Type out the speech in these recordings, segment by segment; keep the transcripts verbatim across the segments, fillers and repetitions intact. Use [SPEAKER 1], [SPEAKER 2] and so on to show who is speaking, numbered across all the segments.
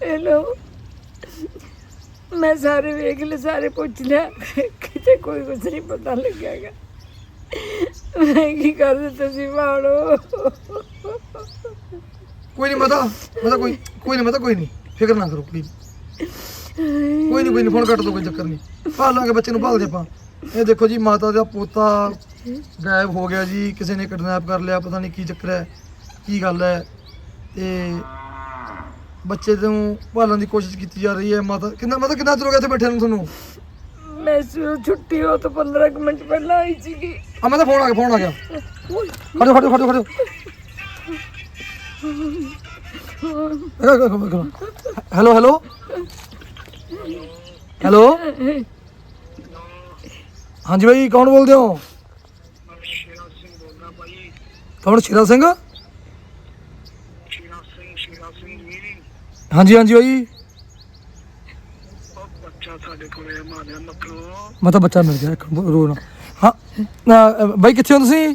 [SPEAKER 1] Hello मैं सारे वेख ले सारे पूछ लिया किते कोई कुछ नहीं पता लगेगा मैं की कर तुसी भाड़ो
[SPEAKER 2] कोई नहीं माता माता कोई कोई नहीं माता कोई नहीं फिक्र ना करो प्लीज कोई नहीं कोई नहीं फोन कट दो कोई चक्कर नहीं भाल लांगे बच्चे ਨੂੰ ਭਾਲ ਦੇ ਆਪਾਂ ਇਹ ਦੇਖੋ ਜੀ ਮਾਤਾ ਦਾ ਪੋਤਾ ਗਾਇਬ ਹੋ ਗਿਆ ਜੀ ਕਿਸੇ ਨੇ ਕਿਡਨੈਪ ਕਰ ਲਿਆ ਪਤਾ ਨਹੀਂ ਕੀ ਚੱਕਰ ਹੈ ਕੀ ਗੱਲ ਹੈ ਤੇ ਬੱਚੇ ਨੂੰ ਭਾਲਣ ਦੀ ਕੋਸ਼ਿਸ਼ ਕੀਤੀ ਜਾ ਰਹੀ ਹੈ ਮਾਤਾ ਕਿੰਨਾ ਮਾਤਾ ਕਿੰਨਾ ਚਿਰ ਹੋ ਗਿਆ ਇੱਥੇ ਬੈਠੇ ਨੂੰ ਤੁਹਾਨੂੰ
[SPEAKER 1] मैं छुट्टी हो तो पंद्रह मिनट पहले आई थी
[SPEAKER 2] ਆ ਮੈਂ ਤਾਂ ਫੋਨ ਆ ਗਿਆ ਫੋਨ ਆ ਗਿਆ ਖੜੋ ਖੜੋ ਖੜੋ ਖੜੋ ਹੈਲੋ ਹੈਲੋ ਹੈਲੋ ਹਾਂਜੀ ਭਾਈ ਕੌਣ ਬੋਲਦੇ ਹੋ ਕੌਣ ਸ਼ੇਰਾ ਸਿੰਘ ਹਾਂਜੀ ਹਾਂਜੀ ਭਾਈ ਮੈਂ ਤਾਂ ਬੱਚਾ ਮਿਲ ਗਿਆ ਇੱਕ ਰੋ ਨਾ ਹਾਂ ਬਾਈ ਕਿੱਥੇ ਹੋ ਤੁਸੀਂ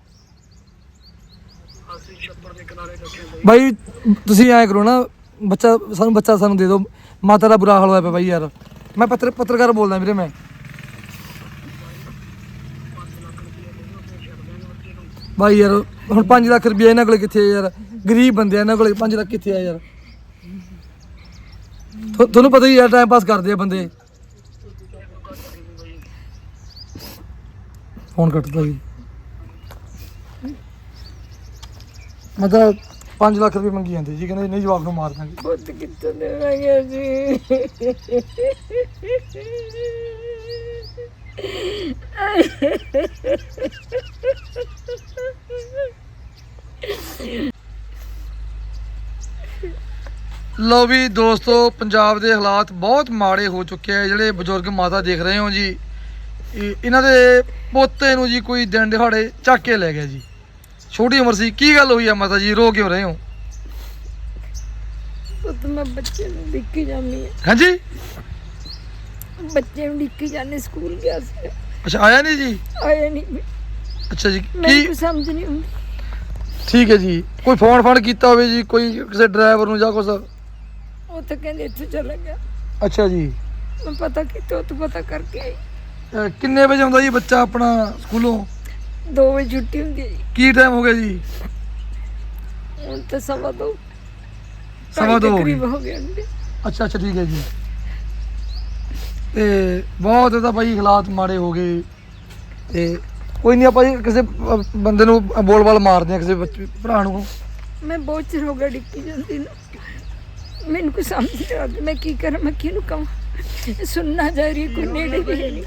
[SPEAKER 2] ਬਾਈ ਤੁਸੀਂ ਐਂ ਕਰੋ ਨਾ ਬੱਚਾ ਸਾਨੂੰ ਬੱਚਾ ਸਾਨੂੰ ਦੇ ਦਿਓ ਮਾਤਾ ਦਾ ਬੁਰਾ ਹਾਲ ਹੋਇਆ ਪਿਆ ਬਾਈ ਯਾਰ ਮੈਂ ਪੱਤਰ ਪੱਤਰਕਾਰ ਬੋਲਦਾ ਵੀਰੇ ਮੈਂ ਬਾਈ ਯਾਰ ਹੁਣ ਪੰਜ ਲੱਖ ਰੁਪਏ ਇਹਨਾਂ ਕੋਲ ਕਿੱਥੇ ਆ ਯਾਰ ਗਰੀਬ ਬੰਦੇ ਆ ਇਹਨਾਂ ਕੋਲ ਪੰਜ ਲੱਖ ਕਿੱਥੇ ਆ ਯਾਰ ਤੁਹਾਨੂੰ ਪਤਾ ਹੀ ਯਾਰ ਟਾਈਮ ਪਾਸ ਕਰਦੇ ਆ ਬੰਦੇ ਫੋਨ ਕੱਟਦਾ ਜੀ ਮਤਲਬ ਪੰਜ ਲੱਖ ਰੁਪਏ ਮੰਗੀ ਜਾਂਦੇ ਜੀ ਕਹਿੰਦੇ ਨਹੀਂ ਜਵਾਬ ਨੂੰ ਮਾਰ ਦਾਂਗੇ
[SPEAKER 1] ਪੁੱਤ ਕਿੱਥੋਂ ਦੇਵਾਂਗੇ ਜੀ
[SPEAKER 2] ਲਓ ਵੀ ਦੋਸਤੋ ਪੰਜਾਬ ਦੇ ਹਾਲਾਤ ਬਹੁਤ ਮਾੜੇ ਹੋ ਚੁੱਕੇ ਆ ਜਿਹੜੇ ਬਜ਼ੁਰਗ ਮਾਤਾ ਦੇਖ ਰਹੇ ਹੋ ਜੀ ਇਹ- ਇਹਨਾਂ ਦੇ ਪੋਤੇ ਨੂੰ ਜੀ ਕੋਈ ਦਿਨ ਦਿਹਾੜੇ ਚੱਕ ਕੇ ਲੈ ਗਿਆ ਜੀ ਛੋਟੀ ਉਮਰ ਸੀ ਕੀ ਗੱਲ ਹੋਈ ਆ ਮਾਤਾ ਜੀ ਰੋ ਕਿਉਂ ਰਹੇ ਹੋ
[SPEAKER 1] ਪੁੱਤ ਮੈਂ ਬੱਚੇ ਨੂੰ ਡਿੱਕੀ ਜਾਂਦੀ ਹਾਂ
[SPEAKER 2] ਹਾਂਜੀ
[SPEAKER 1] ਬੱਚੇ ਨੂੰ ਡਿੱਕੀ ਜਾਂਦੇ ਸਕੂਲ ਗਿਆ ਸੀ
[SPEAKER 2] ਅੱਛਾ ਆਇਆ ਨਹੀਂ ਜੀ
[SPEAKER 1] ਆਇਆ ਨਹੀਂ
[SPEAKER 2] ਅੱਛਾ ਜੀ
[SPEAKER 1] ਮੈਨੂੰ
[SPEAKER 2] ਕੀ
[SPEAKER 1] ਕੁਛ ਸਮਝ ਨਹੀਂ ਆਉਂਦੀ
[SPEAKER 2] ਠੀਕ ਹੈ ਜੀ ਕੋਈ ਫੋਨ ਫਾਨ ਕੀਤਾ ਹੋਵੇ ਜੀ ਕੋਈ ਕਿਸੇ ਡਰਾਈਵਰ ਨੂੰ ਜਾਂ ਕੁਛ
[SPEAKER 1] ਉਹ ਤਾਂ ਕਹਿੰਦੇ ਇੱਥੇ ਚਲਾ ਗਿਆ
[SPEAKER 2] ਅੱਛਾ ਜੀ
[SPEAKER 1] ਮੈਂ ਪਤਾ ਕੀਤਾ ਉਹ ਤੋਂ ਪਤਾ ਕਰਕੇ ਆਈ
[SPEAKER 2] ਅਹ ਕਿੰਨੇ ਵਜੇ ਆਉਂਦਾ ਜੀ ਬੱਚਾ ਆਪਣਾ ਸਕੂਲੋਂ
[SPEAKER 1] ਦੋ ਵਜੇ ਛੁੱਟੀ ਹੁੰਦੀ ਹੈ ਜੀ
[SPEAKER 2] ਕੀ ਟਾਈਮ ਹੋ ਗਿਆ ਜੀ
[SPEAKER 1] ਹੁਣ ਤਾਂ ਸਵਾ ਦੋ
[SPEAKER 2] ਸਵਾ ਦੋ ਹੋ ਗਏ।
[SPEAKER 1] ਕਰੀਬ ਹੋ ਗਏ ਹੁੰਦੇ
[SPEAKER 2] ਅੱਛਾ ਅੱਛਾ ਠੀਕ ਹੈ ਜੀ ਤੇ ਬਹੁਤ ਇਹਦਾ ਭਾਈ ਹਾਲਾਤ ਮਾੜੇ ਹੋ ਗਏ ਤੇ ਕੋਈ ਨਹੀਂ ਆਪਾਂ ਜੀ ਕਿਸੇ ਅਹ ਬੰਦੇ ਨੂੰ ਬੋਲ ਬਾਲ ਮਾਰਦੇ ਆ ਕਿਸੇ ਬੱਚੇ ਭਰਾ ਨੂੰ
[SPEAKER 1] ਮੈਂ ਬਹੁਤ ਚਿਰ ਹੋ ਗਿਆ ਡਿੱਕੀ ਜਾਂਦੀ ਨੂੰ ਮੈਨੂੰ ਕੁਛ ਸਮਝ ਨਹੀਂ ਆਉਂਦੀ ਮੈਂ ਕੀ ਕਰਾਂ ਮੈਂ ਕਿਹਨੂੰ ਕਹਾਂ ਸੁਣਨਾ ਜਾ ਰਹੀ ਕੋਈ ਨੇੜੇ ਵੀ ਹੈ ਨਹੀਂ